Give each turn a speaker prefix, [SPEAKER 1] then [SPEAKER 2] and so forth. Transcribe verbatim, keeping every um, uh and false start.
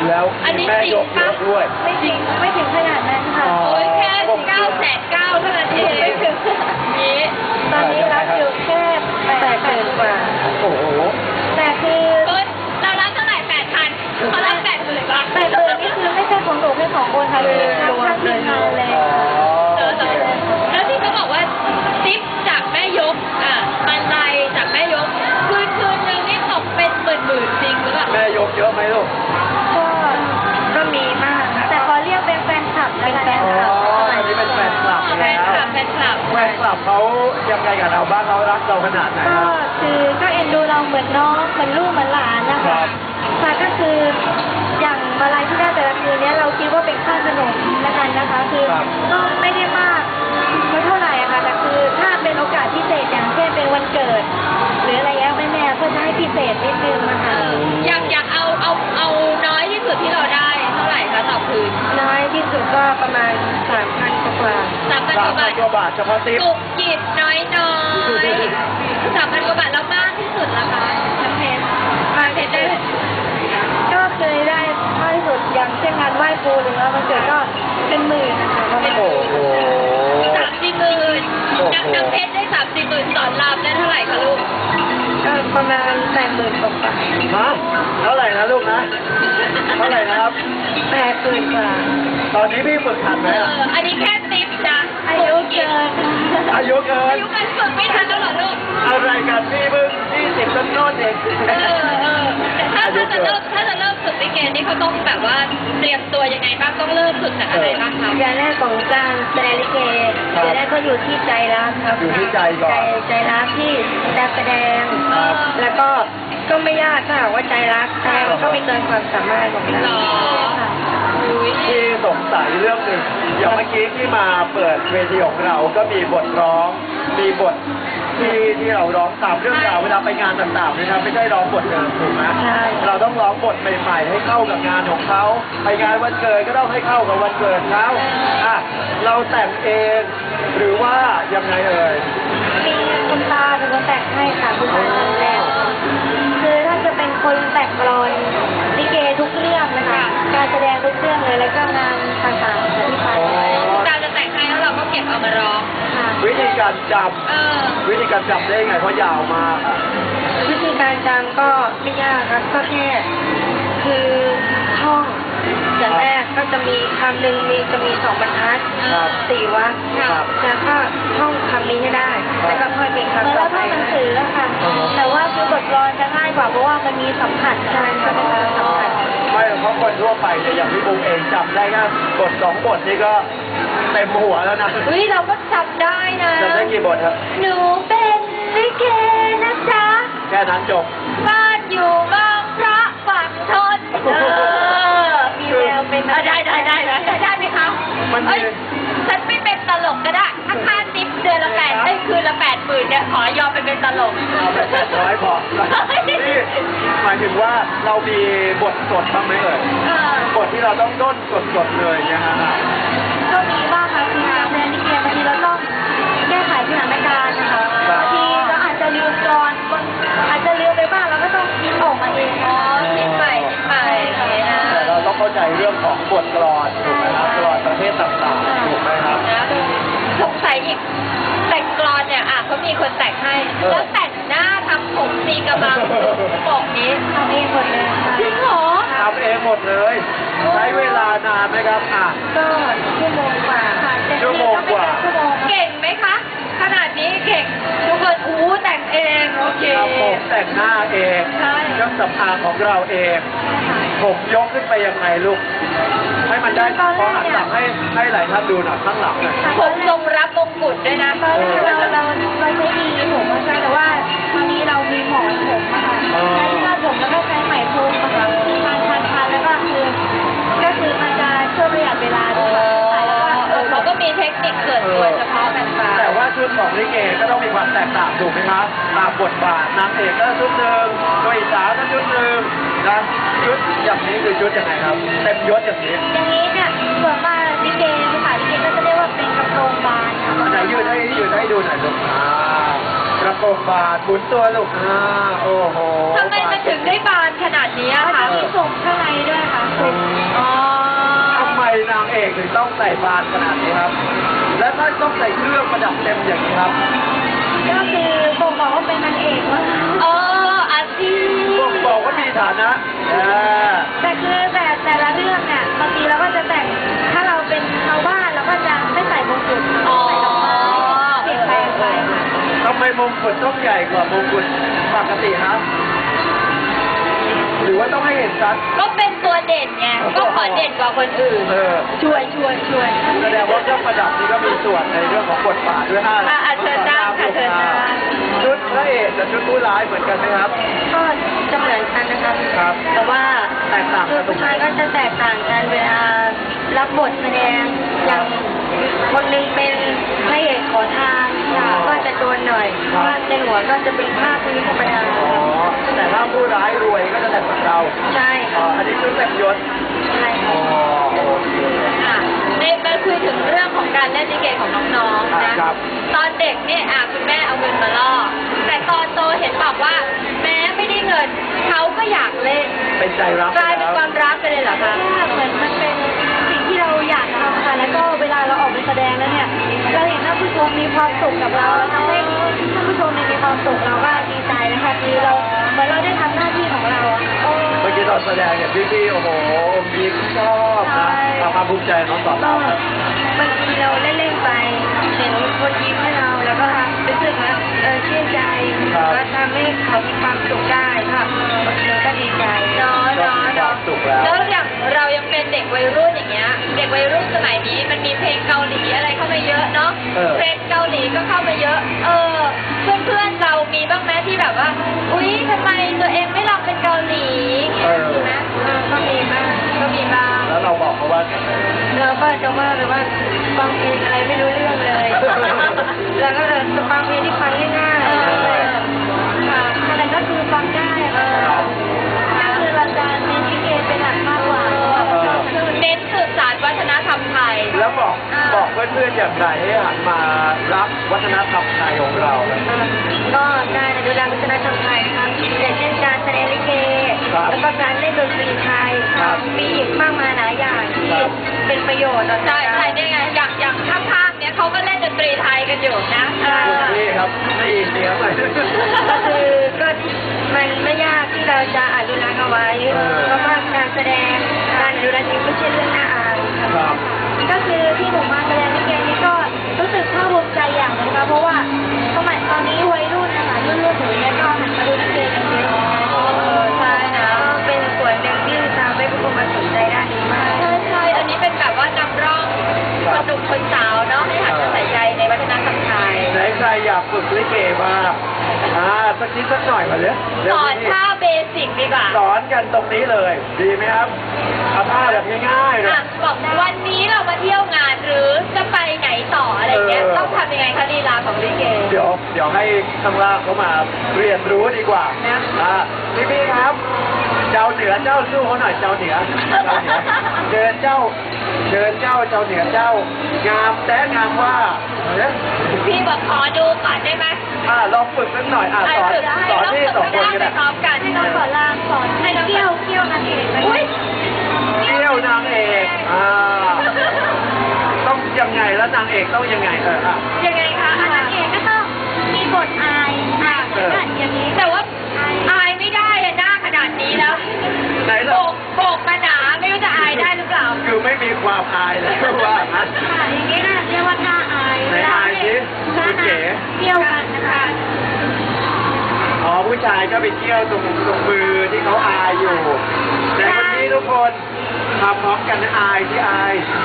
[SPEAKER 1] แล้ว
[SPEAKER 2] อันนี้
[SPEAKER 1] แม่ยก
[SPEAKER 2] จริงปะ
[SPEAKER 1] เยอะด้วย
[SPEAKER 3] ไม่จริงไม่ถึงขนาดนั้นค่ะ
[SPEAKER 1] อ๋อ
[SPEAKER 2] โอ้ยแค่เก้าแสนเก้าเท่านั้นเอง
[SPEAKER 3] ไม่ถึง
[SPEAKER 2] นี้
[SPEAKER 3] ตอนนี้รับอยู่แค่แปดหมื่นกว่า
[SPEAKER 1] โอ้โห
[SPEAKER 3] แต่คือ
[SPEAKER 2] เอ้ยเรารับเท่าไหร่แปดพันเขารับแปดหมื่นบาท
[SPEAKER 3] แปดหมื่นนี่คือไม่ใช่ของหนูแค่สองคนค่ะคือทั้งทั้งทีมงานเลย
[SPEAKER 1] อ๋อ
[SPEAKER 2] เออแต่แล้วที่เขาบอกว่าซิปจากแม่ยกอ่ะบันไดจากแม่ยกคืนคืนหนึ่งนี่ตกเป็นหมื่นหมื่นๆจริงหรือเปล่า
[SPEAKER 1] แม่ยกเยอะไหมลูก
[SPEAKER 3] ก็ก็มีมากนะแต่ขอเรียกเป็นแฟนคลับแล้วกัน
[SPEAKER 1] อ๋อ
[SPEAKER 3] นะคะ
[SPEAKER 1] อันนี้เป็นแฟนคลับ
[SPEAKER 2] แฟ
[SPEAKER 1] แล้
[SPEAKER 2] น
[SPEAKER 1] ว
[SPEAKER 2] คลับแฟนคลับ
[SPEAKER 1] แฟนคลับเขายังไงกับเราบ้างเขารักเราขนาดไหนค
[SPEAKER 3] ก็
[SPEAKER 1] รับ
[SPEAKER 3] คือก็เอ็นดูเราเหมือนน้องเหมือนลูกเหมือนหลานนะ
[SPEAKER 1] ครั
[SPEAKER 3] คะ
[SPEAKER 1] บ
[SPEAKER 3] ค่ะก็คืออย่างมาลัยที่ได้แต่ละคืนเนี้ยเราคิดว่าเป็นค่าขนมละกันนะคะคือ
[SPEAKER 1] ครับ
[SPEAKER 3] ก็ไม่ได้มากไม่เท่าไหร่อะค่ะแต่คือถ้าเป็นโอกาสพิเศษอย่างเช่นเป็นวันเกิด หรืออะไรเงี้ยแม่แม่ๆก็จะให้พิเศษนิดนึงนะคะ
[SPEAKER 2] เอออยากอยากเอาเอาเอาน้อยที่สุดที่เราได้เท่าไหร่คะต่อคืน
[SPEAKER 3] น้อยที่สุดก็ประมาณสามพันกว่า
[SPEAKER 2] สามพัน
[SPEAKER 1] สาก ม
[SPEAKER 2] ว่า
[SPEAKER 1] พั
[SPEAKER 2] บาน ท
[SPEAKER 1] กว่าบาทเฉพาะติ๊บ
[SPEAKER 2] จุกจิบน้อยน้อยสามพันกว่าบาทแล้วมากที่สุดละคะน้ำเพชรน้ำเพชรได้
[SPEAKER 3] ก็เคยได้มากที่สุดอย่างเช่นงานไหว้ครูหรือว่าวันเกิดก็เป็นหมื่นนะคะประมาณ
[SPEAKER 1] โอ้โห
[SPEAKER 2] สามสี่หมื่น
[SPEAKER 1] โอ้โห
[SPEAKER 2] น้ำน้ำเพชรได้สามสี่หมื่นสอนรามได้เท่าไหร่คะลูก
[SPEAKER 3] ก็ประมาณแปดหมื่นกว่าบาท
[SPEAKER 1] ฮะเท่าไหร่นะลูกนะ เท่าไหร่นะครับ
[SPEAKER 3] แปดหมื่นกว่า
[SPEAKER 1] ตอนนี้พี่ฝึกทันไหม
[SPEAKER 2] เอ
[SPEAKER 1] อะ
[SPEAKER 2] ออันนี้แค่ติปนะ
[SPEAKER 3] อายุเกิน
[SPEAKER 1] อายุเกิ
[SPEAKER 2] อาน ยุการฝึกไม่ทันแล้วเหรอลูก
[SPEAKER 1] อะไรกันพี่เพิ่งยี่สิบต้นโน้นเอง
[SPEAKER 2] เออเออแต่ถ้าถ้าจะเริ่มถ้าจะเริ่มฝึกลิเกนี่เขาต้องแบบว่าเตรียมตัวยังไงบ้างต้องเริ่มฝึกจากอะไรบ้างคะ
[SPEAKER 3] อย่างแรกของการแสดงลิเกอย่างแรกก็อยู่ที่ใจรักครับ
[SPEAKER 1] อยู่ที่ใจก่อน
[SPEAKER 3] ใจใจรักที่จะแสดง
[SPEAKER 1] ครับ
[SPEAKER 3] แล้วก็ก็ไม่ยากถ้าหากว่าใจรักแสดงมันก็ไม่เกินความสามารถของเรา
[SPEAKER 2] หรอ
[SPEAKER 3] ค่ะ
[SPEAKER 2] อุ้ย
[SPEAKER 1] ที่สงสัยเรื่องหนึ่งอย่างเมื่อกี้ที่มาเปิดเวทีของเราก็มีบทร้อง มีบทที่ที่เราร้องตามเรื่องราวเวลาไปงานต่างๆนะครับไม่ใช่ร้องบทเดิมถูกไหม
[SPEAKER 3] ใช่
[SPEAKER 1] เราต้องร้องบทใหม่ๆ ให้เข้ากับงานของเขาไปงานวันเกิดก็ต้องให้เข้ากับวันเกิดเขาอ่ะเราแต่งเองหรือว่ายังไงเอ่ย
[SPEAKER 3] มีคุณตาเป็นคนแต่งให้ค่ะคุณตาคนแรกคือถ้าจะเป็นคนแต่งกลอนลิเกทุกเรื่องนะคะ การแสดงทุกเรื่องเลยแล้วก็งานต่างๆค่ะที่ไป
[SPEAKER 2] คุณตาจะแต่งให้แล้วเราก็เก็บเอามาร้อง
[SPEAKER 3] ค่ะ
[SPEAKER 1] วิธีการจ
[SPEAKER 2] เออ
[SPEAKER 1] ำวิธีการจำได้ไงเพราะยาวมากอะ
[SPEAKER 3] วิธีการจำก็ไม่ยากครับก็แค่คือท่องอย่างแรกก็จะมีคำหนึ่งมีจะมีสองบรรทัด
[SPEAKER 1] ครับ
[SPEAKER 3] สี่วรรค
[SPEAKER 1] ครับ
[SPEAKER 3] แล้วก็ท่องคำนี้ให้ได้ แล้วก็ค่อยเป็นคำต่อไปหนังสือค่ะ แต่ว่าคือบทกลอนจะง่ายกว่าเพราะว่ามันมีสัมผัสใช่ค่ะเป็นการสัมผัส
[SPEAKER 1] ไม่เพราะคนทั่วไปเนี่ยอย่างพี่บุ้งเองจำได้แค่บทสองบทนี่ก็เต็มหัวแล้วนะ
[SPEAKER 2] เฮ้ยเราก็จำได้นะ
[SPEAKER 1] จำได้กี่บทครับ
[SPEAKER 2] หนูเป็นลิเกนะจ๊ะ
[SPEAKER 1] แค่นั้นจบ
[SPEAKER 2] บ้านอยู่บางพระฝั่งทนเออ
[SPEAKER 3] มีแววเป็น
[SPEAKER 2] เออได้ได้ได้ได้ได้ไหมคะ
[SPEAKER 1] มันมี
[SPEAKER 2] เอ้ยฉันไม่เป็นตลกก็ได้ถ้าค่าติปเดือนละแปดได้ยคืนละแปดหมื่นเนี่ยขอยอมไปเป็นตลก
[SPEAKER 1] เอาไปแปดร้อยพอนี่หมายถึงว่าเรามีบทสดบ้างไหมเอ่ย
[SPEAKER 2] เออบ
[SPEAKER 1] ทที่เราต้องด้นสดๆเลยเนี่ยฮะ
[SPEAKER 3] ก็มีบ้างค่ะคือการแสดงลิเกบางทีเราต้องแก้ไขสถานการณ์นะคะบางทีเราอาจจะลืมกลอนบางอาจจะลืมไปบ้างเราก็ต้องคิดออกมาเอง
[SPEAKER 2] อ๋อคิดใหม่คิดใหม่อย่างนี้นะ
[SPEAKER 1] แต่เราต้องเข้าใจเรื่องของบทกลอนถูกไหมครับกลอนประเภทต่างๆถูกไหมครับ
[SPEAKER 2] นะสงสัยอีกแต่งกลอนเนี่ยอ่ะเขามีคนแต่งให้
[SPEAKER 1] เออ
[SPEAKER 2] แล้วแต่งหน้าทำผมตีกระบังปกนี้
[SPEAKER 3] ทำเองหมดเลยค่ะ
[SPEAKER 2] จริงเหรอ
[SPEAKER 1] ทำเองหมดเลย ใช้เวลานานไหมครับอ่ะ
[SPEAKER 3] ก็ชั่วโมงกว่าค่ะเต็ม
[SPEAKER 1] ชั่ว
[SPEAKER 3] ที่
[SPEAKER 1] โมง
[SPEAKER 3] ก็
[SPEAKER 1] กว่า
[SPEAKER 3] ไม่เกินชั่วโมงค่ะ
[SPEAKER 2] เก่งไหมคะ ขนาดนี้เก่งทุกคนอู้แต่งเองโอเค
[SPEAKER 1] ทำผมแต่งหน้าเอง
[SPEAKER 2] ใช่
[SPEAKER 1] เครื่องสำอางของเราเอง ผมยกขึ้นไปยังไงลูก ให้มันได้ขอหันหลังให้ให้หลายท่านดูหน่อยข้างหลังหน่อย
[SPEAKER 2] ผมทรงรับมงกุฎด้วยนะ
[SPEAKER 3] ตอนแรกเราเราเราใช้ดีผมมาใช่แต่ว่าตอนนี้เรามีหมอนผมอะค่ะ
[SPEAKER 1] อ๋อ
[SPEAKER 3] ใช้ที่คาดผมแล้วก็ใช้ไหมพรมอะค่ะทานทานทานแล้วก็คือก็คือมันจะช่วยประหยัดเวลาด้วยค่ะใส่แล้วก็
[SPEAKER 2] เออเขาก็มีเทคนิคส่วนตัวเฉพาะกันไป
[SPEAKER 1] แต่ว่าชุดของลิเกก็ต้องมีความแตกต่างถูกไหมครับตามบทบาทนางเอกก็ชุดหนึ่งตัวอีสาวก็ชุดหนึ่งนะชุดอย่างนี้คือชุดยังไงครับ เต็มยศอย่างนี้
[SPEAKER 3] อย่างนี้เนี่ยส่วนมากลิเกภาษาลิเกก็จะเรียกว่าเป็นกระโปรงบานค่ะ
[SPEAKER 1] อันไหนยืนให้ยืนให้ดูหน่อยลูกอ่ากระโปกบาทหมุนตัวลูกอ่าโอ้โห
[SPEAKER 2] ทำไมมันถึงได้บานขนาดนี้
[SPEAKER 3] ก็
[SPEAKER 2] อะ
[SPEAKER 3] จะ
[SPEAKER 2] คะ
[SPEAKER 3] มีส่งข้างในด้วยค่ะส่ง
[SPEAKER 2] อ๋อ
[SPEAKER 1] ทำไมนางเอกถึงต้องใส่บานขนาดนี้ครับ และถ้าต้องใส่เครื่องประดับเต็มอย่างนี้ครับ
[SPEAKER 3] ก็คือบ่งบอกว่าเป็นนางเอกว่า
[SPEAKER 2] อ๋ออาชีพ
[SPEAKER 1] บอกบอกว่ามีฐานะอ่า
[SPEAKER 3] แต่คือแต่แต่ละเรื่องเนี่ยบางทีเราก็จะแต่งถ้าเราเป็นชาวบ้านเราก็จะไม่ใส่มงกุฎ
[SPEAKER 2] อ๋อ
[SPEAKER 3] ใส่ดอกไม้เปลี่ยนแปลงไปค่ะ
[SPEAKER 1] ทำไมมงกุฎต้องใหญ่กว่ามงกุฎปกติครับ หรือว่าต้องให้เห็นชัด
[SPEAKER 2] ก็เป็นตัวเด่นไง ก็ขอเด่นกว่าคนอื่น
[SPEAKER 1] เออ
[SPEAKER 2] ช่วยช่วยช่วย
[SPEAKER 1] แสดงว่าเครื่องประดับนี่ก็มีส่วนในเรื่องของบทบาทด้วยฮะ
[SPEAKER 2] อ่ะอ่ะเชิญนั่งค่ะเชิญนั่ง
[SPEAKER 1] ชุดพระเอกกับชุดผู้ร้ายเหมือนกันไหมครับ
[SPEAKER 3] ก็จะเหมือนกันนะคะ
[SPEAKER 1] ครับ
[SPEAKER 3] แต่ว่า
[SPEAKER 1] แตกต่าง
[SPEAKER 3] คื
[SPEAKER 1] กั
[SPEAKER 3] อน
[SPEAKER 1] ตรง
[SPEAKER 3] ผู้
[SPEAKER 1] ไหน
[SPEAKER 3] ชายก็จะแตกต่างกันเวลารับบทแสดงอย่างคนหนึงเป็นพระเอกขอทานค่ะก็จะโดนหน่อยเพราะว่าในหัวก็จะเป็นภาพนี้ธรรมดา
[SPEAKER 1] อ๋อ แต่ถ้าผู้ร้ายรวยก็จะแต่งเหมือนเรา
[SPEAKER 3] ใช่
[SPEAKER 1] อ๋อ
[SPEAKER 3] ค่ะ
[SPEAKER 1] อันนี้ชุดแต่งยศ
[SPEAKER 3] ใช่
[SPEAKER 1] อ๋อ
[SPEAKER 3] ค่ะ
[SPEAKER 1] โอเค
[SPEAKER 2] ค่ะในมาคุยถึงเรื่องของการเล่นลิเกของน้องๆนะ
[SPEAKER 1] ครับ
[SPEAKER 2] ตอนเด็กเนี่ยอ่ะคุณแม่เอาเงินมาล่อ แต่ตอนโตเห็นบอกว่า แม้ไม่ได้เงินเขาก็อยากเล่น
[SPEAKER 1] เป็นใจรัก
[SPEAKER 2] กลายเป็นความรักไปเลยเหรอคะ
[SPEAKER 3] เหมือนมันเป็นสิ่งที่เราอยากทำค่ะแล้วก็เวลาเราออกไปแสดงแล้วเนี่ยเราเห็นท่านผู้ชมมีความสุขกับเราแล้วทำให้ท่านผู้ชมเนี่ยมีความสุขเราก็ดีใจนะคะคือเราเหมือนเราได้ทำหน้าที่ของเราอะค่ะ
[SPEAKER 1] เมื่อกี้ตอนแสดงเนี่ยพี่ๆโอ้โหอมยิ้มชอบนะความภาคภูมิใจน้องสอน
[SPEAKER 3] ก็
[SPEAKER 1] เราครับ
[SPEAKER 3] บางทีเราเล่นๆไปเห็นคนยิ้มให้เราแล้วก็รู้สึกว่าเออชื่นใจก็ทำให้เขามีความสุขได้ค่ะเราก็ดีใจ
[SPEAKER 2] เนาะเนาะ
[SPEAKER 1] ค
[SPEAKER 2] เนาะ
[SPEAKER 1] วามสุขแล้ว
[SPEAKER 2] แล้วอย่างเรายังเป็นเด็กวัยรุ่นอย่างเงี้ย เด็กวัยรุ่นสมัยนี้มันมีเพลงเกาหลีอะไรเข้ามาเยอะเนาะ
[SPEAKER 1] เออ
[SPEAKER 2] เพลงเกาหลีก็เข้ามาเยอะ เออ เพื่อนๆเรามีบ้างไหมที่แบบว่า อุ๊ยทำไมตัวเองไม่ลองเป็นเกาหลี
[SPEAKER 1] เออ
[SPEAKER 2] มีไหม
[SPEAKER 3] เออก็มีบ้าง
[SPEAKER 2] ก็มีบ้าง
[SPEAKER 1] แล้วเราบอกเขาว่า
[SPEAKER 3] เราก็จะว่าแบบว่าฟังเพลงอะไรไม่รู้เรื่องเลย แล้วก็เลยฟังเพลงที่ฟังง่ายๆ
[SPEAKER 2] เออ
[SPEAKER 3] ค่ะอะไรก็คือฟังได้ค่ะก็คือเราจะเน้นลิเกเป็นหลักมากกว่าเพราะว่าเราชอบคลื่น
[SPEAKER 2] เน้นสืบสานวัฒนธรรมไทย
[SPEAKER 1] แล้วบอกบอกเพื่อนๆอย่างไรให้หันมารักวัฒนธรรมไทยของเรา
[SPEAKER 3] ก็การอนุรักษ์วัฒนธรรมไทยนะครับอย่างเช่นการแสดงลิเก
[SPEAKER 1] ครับ
[SPEAKER 3] แล้วก็การเล่นดนตรีไทย
[SPEAKER 1] ครับ
[SPEAKER 3] มีอีกมากมายหลายอย่างที่
[SPEAKER 1] ครับ
[SPEAKER 3] เป็นประโยชน์ต่อ
[SPEAKER 2] ใช่
[SPEAKER 3] ใจ
[SPEAKER 2] ใช่เนี่ยไง อย่างอย่างข้างๆเนี้ยเขาก็เล่นดนตรีไทยกันอยู่นะเอ
[SPEAKER 1] คุณ
[SPEAKER 2] อ
[SPEAKER 1] พี่ครับไม่อินเดียหน่อย
[SPEAKER 3] ก็คือก็มันไม่ยากที่เราจะอนุรักษ์เอาไว้
[SPEAKER 1] เออ
[SPEAKER 3] เพราะว่าการแสดงการอนุรักษ์นี้ไม่ใช่เรื่องน่าอาย
[SPEAKER 1] ครับ
[SPEAKER 3] ก็คือที่ผมมาแสดงลิเกนี้ก็รู้สึกภาคภูมิใจอย่างหนึงนะคะเพราะว่าสมัยตอนนี้วัยรุ่นนะคะรุ่นรุ่นหนูเนี่ยก็หันมาดูลิเกกันเยอะ
[SPEAKER 2] เออใช่นะ
[SPEAKER 3] ก็เป็นส่วนหนึ่งที่ทำให้ผู้คนมาสนใจด้านนี้มาก
[SPEAKER 2] ใช่ใช่อันนี้เป็นแบบว่านำร่องคนหนุ่มคนสาวเนาะให้หันมาใส่ใจในวัฒนธรรมไทย
[SPEAKER 1] ไหนใครอยากฝึกลิเกบ้างอ่าสักนิดสักหน่อยมาเลย
[SPEAKER 2] สอนท่าเบสิกดีกว่า
[SPEAKER 1] สอนกันตรงนี้เลย ดีไหมครับเอาท่าแบบง่ายๆเลย
[SPEAKER 2] อ่ะบอกวันนี้เรามาเที่ยวงานหรือจะไปไหนต่ออะไรเงี้ย
[SPEAKER 1] เออ
[SPEAKER 2] ต้องทำยังไงคะลีลาของลิเก
[SPEAKER 1] เดี๋ยวเดี๋ยวให้ข้างล่างเขามาเรียนรู้ดีกว่า
[SPEAKER 2] นะ
[SPEAKER 1] อ่าพี่พี่ครับ เจ้าเหนือเจ้าสู้เขาหน่อยเจ้าเหนือเจ้าเหนือเชิญเจ้าเชิญเจ้าเจ้าเหนือเจ้างามแต่งามว่าเนี่ย
[SPEAKER 2] พี่บอกขอดูก่อนได้ไหม
[SPEAKER 1] อ่าลองฝึกสักหน่อยอ่าสอน
[SPEAKER 2] ฝึก
[SPEAKER 1] สอนที่สองคน
[SPEAKER 2] ให้
[SPEAKER 1] กัน
[SPEAKER 2] ไป
[SPEAKER 1] นะ
[SPEAKER 2] พร้อมกัน
[SPEAKER 3] ให้น้องสอนรามสอนให้เกี่ยวเกี่ยวนางเอกไป
[SPEAKER 2] อุ้ย
[SPEAKER 1] เที่ยวนางเอกอ่าต้องยังไงแล้วนางเอกต้องยังไงเอออ่ะ
[SPEAKER 2] ยังไงคะ
[SPEAKER 3] นางเอกก็ต้องมีบทอายอายเหมือนกันอย่างนี้
[SPEAKER 2] แต่ว่าอายไม่ได้อะหน้าขนาดนี้แล้ว
[SPEAKER 1] ไหน
[SPEAKER 2] โบ
[SPEAKER 1] ล่ะ
[SPEAKER 2] กโบกมาหนาไม่รู้จะอายได้หรือเปล่า
[SPEAKER 1] คือไม่มีความอายเลยว่างั้น
[SPEAKER 3] ค่ะอย่างนี้นะเรียกว่าท่าอาย
[SPEAKER 1] ไหนอายสิ
[SPEAKER 3] ท่า
[SPEAKER 1] คุณเก๋
[SPEAKER 3] เกี่ยวกันนะคะ
[SPEAKER 1] อ๋อผู้ชายก็ไปเที่ยวตรงตรงมือที่เขาอายอยู่ แต่วันนี้ทุกคนทำพร้อมกันนะอายที่อาย